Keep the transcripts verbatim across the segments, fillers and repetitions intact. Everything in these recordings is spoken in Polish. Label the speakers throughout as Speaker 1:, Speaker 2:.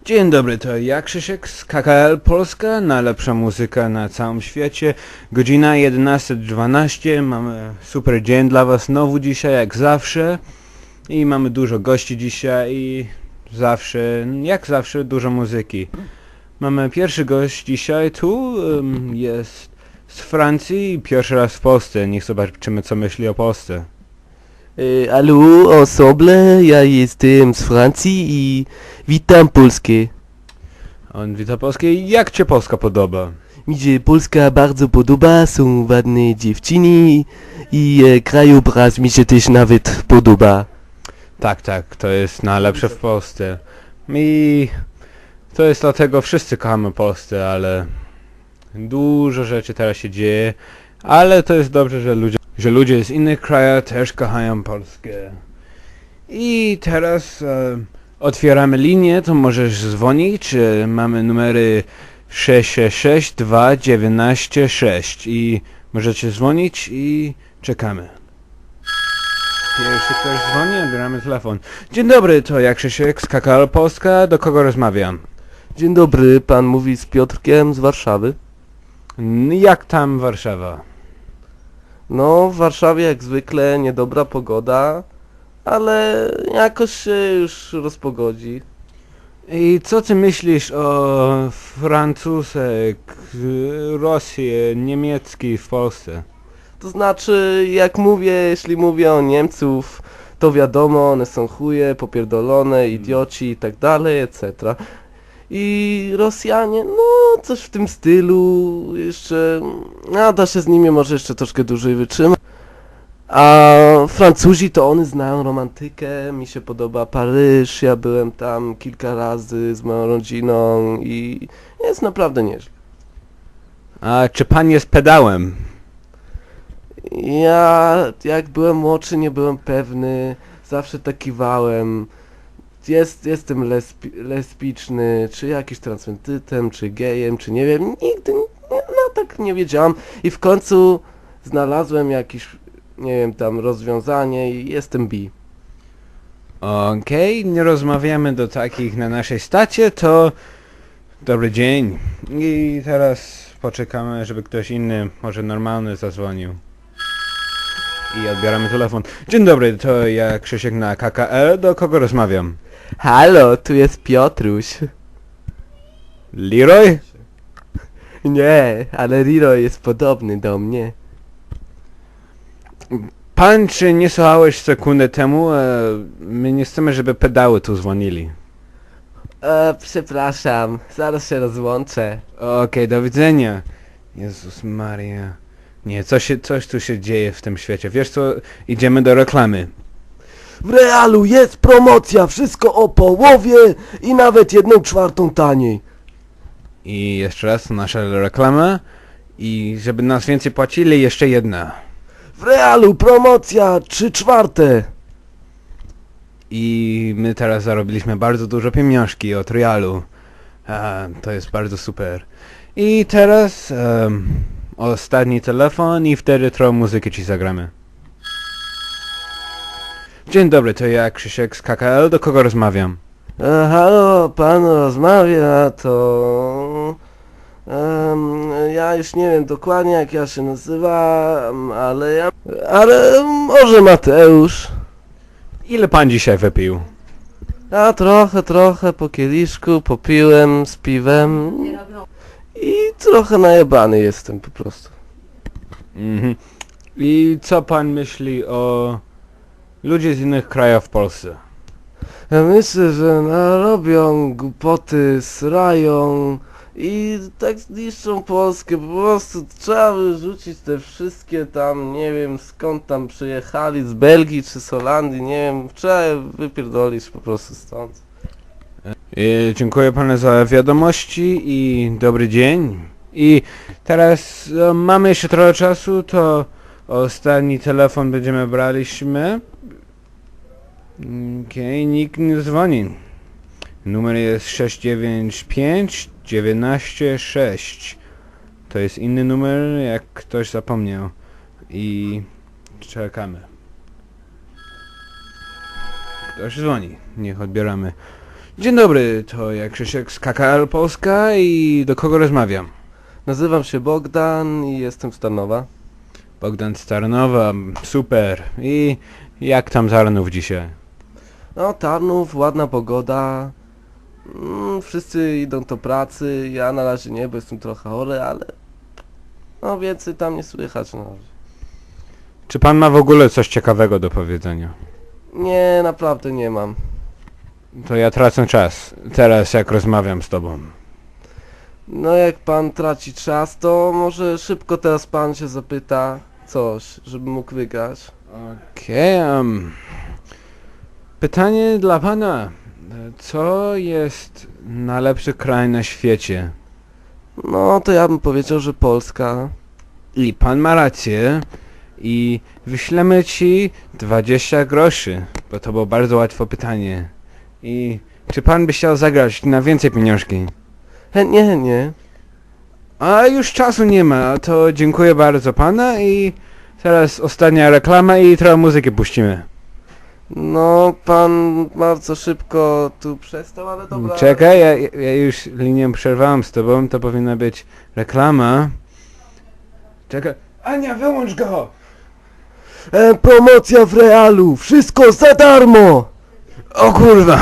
Speaker 1: Dzień dobry, to ja Krzysiek z K K L Polska, najlepsza muzyka na całym świecie. Godzina jedenasta dwanaście, mamy super dzień dla was znowu dzisiaj, jak zawsze. I mamy dużo gości dzisiaj i zawsze, jak zawsze, dużo muzyki. Mamy pierwszy gość dzisiaj tu, um, jest z Francji, pierwszy raz w Polsce. Niech zobaczymy, co myśli o Polsce.
Speaker 2: E, hallo ensemble, ja jestem z Francji i witam Polskę.
Speaker 1: On wita Polskę. Jak cię Polska podoba?
Speaker 2: Mi się Polska bardzo podoba, są ładne dziewczyny i e, krajobraz mi się też nawet podoba.
Speaker 1: Tak, tak, to jest najlepsze w Polsce. I to jest dlatego wszyscy kochamy Polskę, ale dużo rzeczy teraz się dzieje, ale to jest dobrze, że ludzie, że ludzie z innych krajów też kochają Polskę. I teraz e, otwieramy linię, to możesz dzwonić, e, mamy numery sześć sześć sześć dwa dziewięć sześć i możecie dzwonić i czekamy. Pierwszy ktoś dzwoni, odbieramy telefon. Dzień dobry, to jak Krzysiek z K K L Polska, do kogo rozmawiam?
Speaker 2: Dzień dobry, pan mówi z Piotrkiem z Warszawy.
Speaker 1: N- Jak tam Warszawa?
Speaker 2: No, w Warszawie jak zwykle niedobra pogoda, ale jakoś się już rozpogodzi.
Speaker 1: I co ty myślisz o Francuzek, Rosji, niemiecki w Polsce?
Speaker 2: To znaczy, jak mówię, jeśli mówię o Niemców, to wiadomo, one są chuje, popierdolone, idioci i tak dalej, et cetera. I Rosjanie, no coś w tym stylu, jeszcze, no da się z nimi może jeszcze troszkę dłużej wytrzymać. A Francuzi to oni znają romantykę, mi się podoba Paryż, ja byłem tam kilka razy z moją rodziną i jest naprawdę nieźle.
Speaker 1: A czy pan jest pedałem?
Speaker 2: Ja, jak byłem młodszy, nie byłem pewny, zawsze tak kiwałem. Jest, jestem lesbi lesbiczny, czy jakiś transwentytem, czy gejem, czy nie wiem, nigdy, no tak nie wiedziałam. I w końcu znalazłem jakieś, nie wiem, tam rozwiązanie i jestem bi.
Speaker 1: Okej, nie rozmawiamy do takich na naszej stacie, to dobry dzień. I teraz poczekamy, żeby ktoś inny, może normalny, zadzwonił. I odbieramy telefon. Dzień dobry, to ja Krzysiek na K K L, do kogo rozmawiam?
Speaker 2: Halo, tu jest Piotruś.
Speaker 1: Leroy?
Speaker 2: Nie, ale Riro jest podobny do mnie.
Speaker 1: Pan, czy nie słuchałeś sekundę temu? E, my nie chcemy, żeby pedały tu dzwonili.
Speaker 2: E, przepraszam, zaraz się rozłączę.
Speaker 1: Okej, do widzenia. Jezus Maria. Nie, coś, się, coś tu się dzieje w tym świecie. Wiesz co, idziemy do reklamy.
Speaker 2: W Realu jest promocja, wszystko o połowie i nawet jedną czwartą taniej.
Speaker 1: I jeszcze raz nasza reklama. I żeby nas więcej płacili, jeszcze jedna.
Speaker 2: W Realu promocja, trzy czwarte.
Speaker 1: I my teraz zarobiliśmy bardzo dużo pieniążki od Realu. A, to jest bardzo super. I teraz um, ostatni telefon i wtedy trochę muzyki ci zagramy. Dzień dobry, to ja Krzysiek z K K L, do kogo rozmawiam?
Speaker 2: E, halo, pan rozmawia, to... em, ja już nie wiem dokładnie jak ja się nazywam, ale ja... Ale może Mateusz.
Speaker 1: Ile pan dzisiaj wypił?
Speaker 2: Ja trochę, trochę po kieliszku popiłem z piwem i trochę najebany jestem po prostu.
Speaker 1: Mhm. I co pan myśli o ludzie z innych krajów w Polsce?
Speaker 2: Ja myślę, że narobią głupoty, srają i tak zniszczą Polskę. Po prostu trzeba wyrzucić te wszystkie tam, nie wiem skąd tam przyjechali, z Belgii czy z Holandii, nie wiem, trzeba je wypierdolić po prostu stąd.
Speaker 1: I dziękuję panu za wiadomości i dobry dzień. I teraz e, mamy jeszcze trochę czasu, to ostatni telefon będziemy braliśmy. Okej, nikt nie dzwoni. Numer jest sześć dziewięć pięć dziewięć sześć. To jest inny numer, jak ktoś zapomniał. I czekamy. Ktoś dzwoni. Niech odbieramy. Dzień dobry, to ja Krzysiek z K K L Polska i do kogo rozmawiam?
Speaker 2: Nazywam się Bogdan i jestem z Tarnowa.
Speaker 1: Bogdan z Tarnowa, super. I jak tam Tarnów dzisiaj?
Speaker 2: No, Tarnów, ładna pogoda. Mm, wszyscy idą do pracy, ja na razie nie, bo jestem trochę chory, ale... No, więcej tam nie słychać, no.
Speaker 1: Czy pan ma w ogóle coś ciekawego do powiedzenia?
Speaker 2: Nie, naprawdę nie mam.
Speaker 1: To ja tracę czas, teraz jak rozmawiam z tobą.
Speaker 2: No, jak pan traci czas, to może szybko teraz pan się zapyta coś, żeby mógł wygrać.
Speaker 1: Okej, em, pytanie dla pana. Co jest najlepszy kraj na świecie?
Speaker 2: No, to ja bym powiedział, że Polska.
Speaker 1: I pan ma rację. I wyślemy ci dwadzieścia groszy, bo to było bardzo łatwe pytanie. I czy pan by chciał zagrać na więcej pieniążki?
Speaker 2: Chętnie, chętnie.
Speaker 1: A już czasu nie ma, to dziękuję bardzo pana i teraz ostatnia reklama i trochę muzyki puścimy.
Speaker 2: No, pan bardzo szybko tu przestał, ale dobra.
Speaker 1: Czekaj, ja, ja już linię przerwałem z tobą, to powinna być reklama. Czekaj. Ania, wyłącz go!
Speaker 2: E, promocja w realu, wszystko za darmo!
Speaker 1: O kurwa!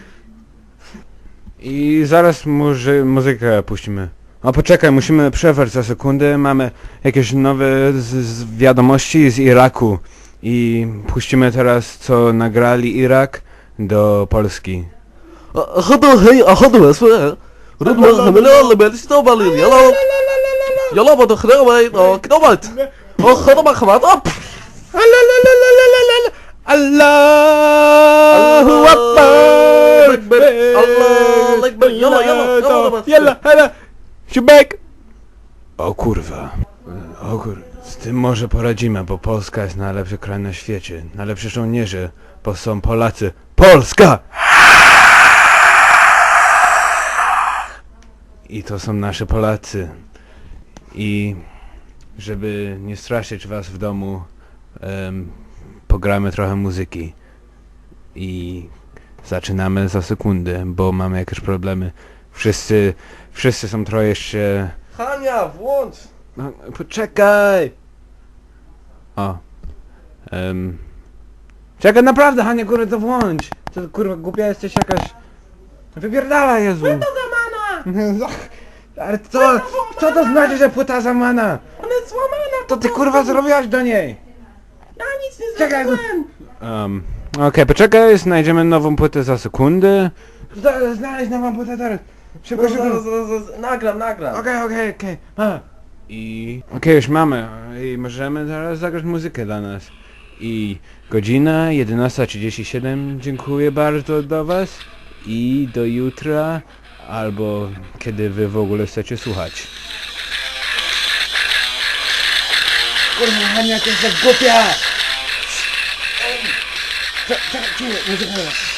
Speaker 1: I zaraz muzy muzykę puścimy. O poczekaj, musimy przerwać za sekundę, mamy jakieś nowe z, z wiadomości z Iraku. I puścimy teraz co nagrali Irak do Polski.
Speaker 2: Chodź, hej, a chodź, اسمع رد خملة اللي بلش توبالي يلا يلا بدو خلاوي كنوبت او خدوا ما خمات اب
Speaker 1: Allahu Akbar!
Speaker 2: الله اكبر يلا يلا يلا
Speaker 1: Yalla, hala! Siubek! O kurwa. O kur... Z tym może poradzimy, bo Polska jest najlepszy kraj na świecie. Najlepsi żołnierze, bo są Polacy. Polska! I to są nasze Polacy. I żeby nie straszyć was w domu, em, pogramy trochę muzyki. I zaczynamy za sekundę, bo mamy jakieś problemy. Wszyscy, wszyscy są trochę jeszcze...
Speaker 2: Hania, włącz!
Speaker 1: No, poczekaj! O. Um. Czekaj, naprawdę, Hania, kurwa, to włącz! To kurwa, głupia jesteś jakaś... Wypierdala, Jezu! Płyta zamana! Ale co? Co to znaczy, że płyta zamana?
Speaker 2: Ona jest złamana!
Speaker 1: To ty kurwa zrobiłaś do niej!
Speaker 2: Ja nic nie
Speaker 1: Czekaj! Um. Okej, poczekaj, znajdziemy nową płytę za sekundę. Zna- Znaleźć nową płytę teraz! Szybko, szybko!
Speaker 2: Nagram, nagram.
Speaker 1: Okej, okej, okej. A. I... Okej, już mamy. I możemy teraz zagrać muzykę dla nas. I godzina jedenasta trzydzieści siedem. Dziękuję bardzo do was. I do jutra. Albo kiedy wy w ogóle chcecie słuchać. Kurwa, Hania, to jest tak głupia! Ej! Czekaj, czekaj, muzyka.